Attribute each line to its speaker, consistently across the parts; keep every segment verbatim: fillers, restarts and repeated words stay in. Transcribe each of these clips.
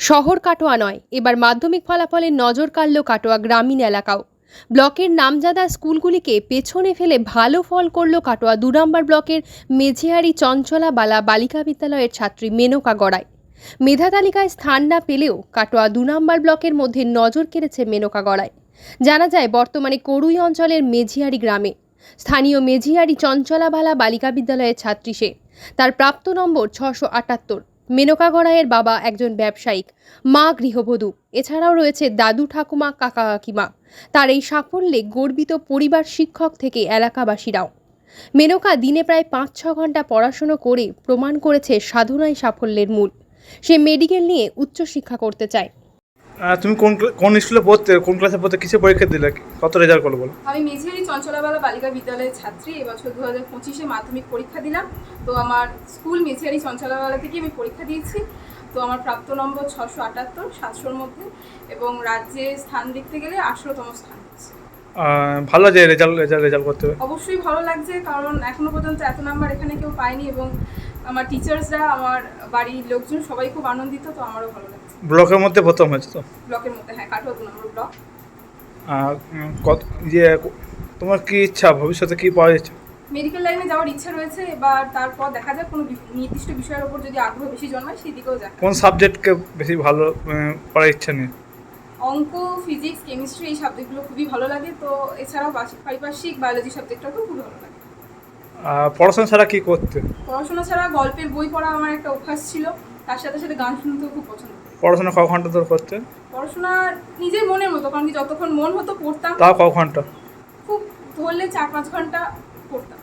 Speaker 1: শহর কাটোয়া নয়, এবার মাধ্যমিক ফলাফলে নজর কাড়ল কাটোয়া গ্রামীণ এলাকাও। ব্লকের নামজাদা স্কুলগুলিকে পেছনে ফেলে ভালো ফল করল কাটোয়া দু নম্বর ব্লকের মেঝেহারি চঞ্চলাবালা বালিকা বিদ্যালয়ের ছাত্রী মেনকা গড়াই। মেধা তালিকায় স্থান না পেলেও কাটোয়া দু নম্বর ব্লকের মধ্যে নজর কেড়েছে মেনকা গড়াই। জানা যায়, বর্তমানে করুই অঞ্চলের মেঝিহারি গ্রামে স্থানীয় মেঝিহারি চঞ্চলাবালা বালিকা বিদ্যালয়ের ছাত্রী সে। তার প্রাপ্ত নম্বর ছশো আটাত্তর। মেনকা গড়াইয়ের বাবা একজন ব্যবসায়িক, মা গৃহবধূ, এছাড়াও রয়েছে দাদু ঠাকুমা কাকা কাকিমা। তার এই সাফল্যে গর্বিত পরিবার, শিক্ষক থেকে এলাকাবাসীরাও। মেনকা দিনে প্রায় পাঁচ ছ ঘন্টা পড়াশুনো করে প্রমাণ করেছে সাধনাই সাফল্যের মূল। সে মেডিকেল নিয়ে উচ্চশিক্ষা করতে চায়।
Speaker 2: তুমি কোন কোন স্কুলে পড়তে, কোন ক্লাসে পড়তে, কিসে পরীক্ষা দিলে, কত রেজাল্ট করলো বলো?
Speaker 3: আমি মেঝেহারি চঞ্চলাবালা বালিকা বিদ্যালয়ের ছাত্রী। এবছর দু হাজার পঁচিশে মাধ্যমিক পরীক্ষা দিলাম। তো আমার স্কুল মেঝেহারি চঞ্চলাবালা থেকে আমি পরীক্ষা দিয়েছি। তো আমার প্রাপ্ত নম্বর ছশো আটাত্তর, সাতশোর মধ্যে, এবং রাজ্যে স্থান দেখতে গেলে আঠেরোতম স্থান হচ্ছে।
Speaker 2: ভালো যে রেজাল্ট রেজাল্ট রেজাল্ট করতে হবে।
Speaker 3: অবশ্যই ভালো লাগছে, কারণ এখনো পর্যন্ত এত নাম্বার এখানে কেউ পায়নি, এবং আমার টিচার্সরা, আমার বাড়ির লোকজন সবাই খুব আনন্দিত। তো আমারও ভালো লাগছে।
Speaker 2: ব্লকের মধ্যে প্রথম হয়েছে তো?
Speaker 3: ব্লকের মধ্যে, হ্যাঁ, কাটোয়া দু নম্বর ব্লক।
Speaker 2: কত ইয়ে, তোমার কি ইচ্ছা, ভবিষ্যতে কি পাওয়ার ইচ্ছা?
Speaker 3: মেডিকেল লাইনে যাওয়ার ইচ্ছা রয়েছে। এবার তারপর দেখা যাক, কোনো নির্দিষ্ট বিষয়ের উপর যদি আগ্রহ বেশি জন্মায় সেই দিকেও যাক।
Speaker 2: কোন সাবজেক্টকে বেশি ভালো পড়ার ইচ্ছা নেই?
Speaker 3: অঙ্ক, ফিজিক্স, কেমিস্ট্রি এই সাবজেক্টগুলো খুবই ভালো লাগে। তো এছাড়াও পারিপার্শ্বিক বায়োলজি সাবজেক্টটাও খুব ভালো লাগে।
Speaker 2: পড়াশোনা ছাড়া কি করতে?
Speaker 3: পড়াশোনা ছাড়া গল্পের বই পড়া আমার একটা অভ্যাস ছিল। তার সাথে সাথে গান শুনতেও খুব পছন্দ করি।
Speaker 2: পড়াশোনা ক ঘন্টা ধরে করতে?
Speaker 3: পড়াশোনা নিজের মনের মতো, কারণ কি যতক্ষণ মন হতো পড়তাম।
Speaker 2: তাও ক ঘন্টা?
Speaker 3: খুব ধরলে চার পাঁচ ঘন্টা পড়তাম।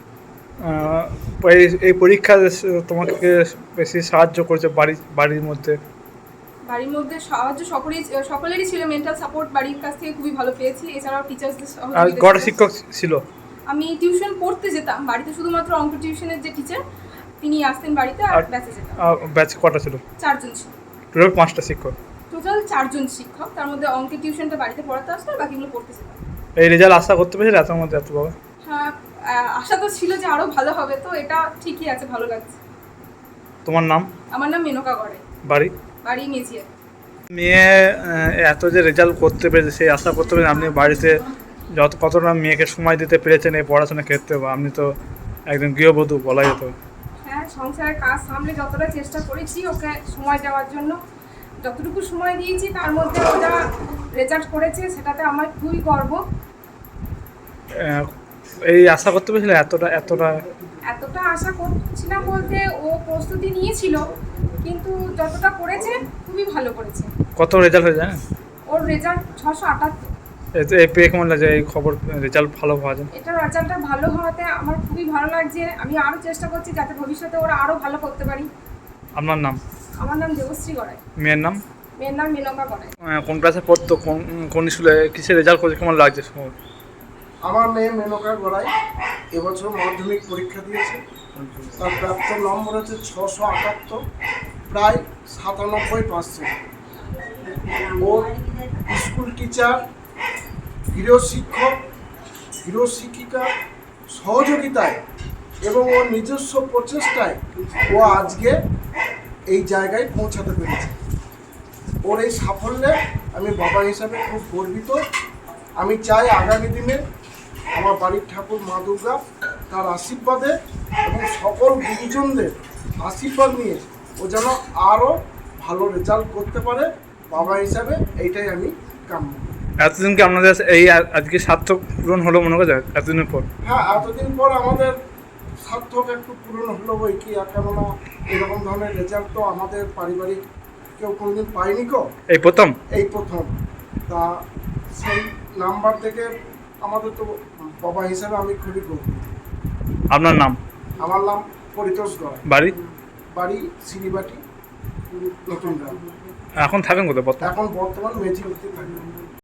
Speaker 2: এই পরীক্ষা তোমাকে বেশি সাহায্য করেছে বাড়ি বাড়ির মধ্যে?
Speaker 3: বাড়ির মধ্যে সাহায্য সকলেই সকলেরই ছিল। মেন্টাল সাপোর্ট বাড়ির কাছ থেকে খুবই ভালো পেয়েছি। এছাড়াও টিচার্সদের সহযোগিতা।
Speaker 2: কটা শিক্ষক ছিল?
Speaker 3: আমি টিউশন পড়তে যেতাম বাড়িতে, শুধুমাত্র অঙ্ক টিউশনের যে টিচার তিনি আসতেন বাড়িতে, আর ব্যাচে যেতাম।
Speaker 2: ব্যাচ কটা ছিল?
Speaker 3: চারজন ছিল।
Speaker 2: টোটাল পাঁচটা শিক্ষক?
Speaker 3: টোটাল চারজন শিক্ষক, তার মধ্যে অঙ্কের টিউশনটা বাড়িতে পড়াতে আসতো, আর বাকিগুলো পড়তে যেতাম।
Speaker 2: এই রেজাল্ট আশা করতে পেরেছিলে এত মধ্যে এত বাবা?
Speaker 3: হ্যাঁ, আশা তো ছিল যে আরো ভালো হবে। তো এটা ঠিকই আছে, ভালো লাগছে।
Speaker 2: তোমার নাম?
Speaker 3: আমার নাম মেনকা গড়াই।
Speaker 2: বাড়ি?
Speaker 3: বাড়ি মেঝিয়া।
Speaker 2: মেয়ে এত যে রেজাল্ট করতে পেরেছে, সেই আশা করতে পেরেছেন আপনি বাড়িতে যত কতটা মেয়েকে সময় দিতে পেরেছেন এই পড়াশোনার ক্ষেত্রে? আপনি তো একজন গৃহবধূ বলা যেত।
Speaker 3: হ্যাঁ, সংসারের কাজ সামলে যতটা চেষ্টা করেছি ওকে সময় দেওয়ার জন্য, যতটুকু সময় দিয়েছি তার মধ্যে ওটা রেজাল্ট করেছে, সেটাতে আমার খুবই গর্ব।
Speaker 2: এই আশা করতে পেরেছিলেন এতটা এতটা
Speaker 3: এতটা আশা করছিলাম বলতে, ও প্রস্তুতি নিয়েছিল, কিন্তু যতটা করেছে খুবই ভালো করেছে।
Speaker 2: কত রেজাল্ট হয়ে যায়?
Speaker 3: ওর রেজাল্ট ছশো আটাত্তর।
Speaker 2: এই পেয়ে কেমন লাগছে, এই খবর রেজাল্ট ভালো হওয়া যায়?
Speaker 3: এটা রেজাল্টটা ভালো হওয়াতে আমার খুবই ভালো লাগছে। আমি আরও চেষ্টা করছি যাতে ভবিষ্যতে ওরা আরও ভালো করতে পারি।
Speaker 2: আপনার নাম?
Speaker 3: আমার নাম দেবশ্রী গড়াই।
Speaker 2: মেয়ের নাম?
Speaker 3: মেয়ের নাম মেনকা গড়াই।
Speaker 2: কোন ক্লাসে পড়তো, কোন কোন স্কুলে, কিসে রেজাল্ট করেছে, কেমন লাগছে?
Speaker 4: আমার মেয়ে মেনকা গড়াই এবছর মাধ্যমিক পরীক্ষা দিয়েছে। তার প্রাপ্ত নম্বর হচ্ছে ছশো আটাত্তর, প্রায় সাতানব্বই পার্সেন্ট। ওর স্কুল টিচার, গৃহশিক্ষক, গৃহশিক্ষিকা সহযোগিতায় এবং ওর নিজস্ব প্রচেষ্টায় ও আজকে এই জায়গায় পৌঁছাতে পেরেছে। ওর এই সাফল্যে আমি বাবা হিসাবে খুব গর্বিত। আমি চাই আগামী দিনে আমার বাড়ির ঠাকুর মা দুর্গা তার আশীর্বাদে এবং সকল গুরুজনদের আশীর্বাদ নিয়ে ও যেন আরও ভালো রেজাল্ট করতে পারে। বাবা হিসাবে এইটাই আমি কাম্য।
Speaker 2: এতদিন কি আপনাদের এই আজকে সার্থক পূরণ হলো মনে করা যায় এতদিনের পর?
Speaker 4: হ্যাঁ, এতদিন পর আমাদের সার্থক একটু পূরণ হলো বই কি, কেননা এরকম ধরনের রেজাল্ট তো আমাদের পারিবারিক কেউ কোনোদিন পায়নি। কো
Speaker 2: এই প্রথম
Speaker 4: এই প্রথম তা সেই নাম্বার থেকে আমাদের তো বাবা হিসাবে আমি খুবই গর্বিত।
Speaker 2: আপনার নাম?
Speaker 4: আমার নাম পরিতোষ গড়াই।
Speaker 2: বাড়ি?
Speaker 4: বাড়ি সিরিবাটি, নতুন গ্রাম।
Speaker 2: এখন থাকেন কোথায়?
Speaker 4: এখন বর্তমান মেঝিগড়িতে থাকি।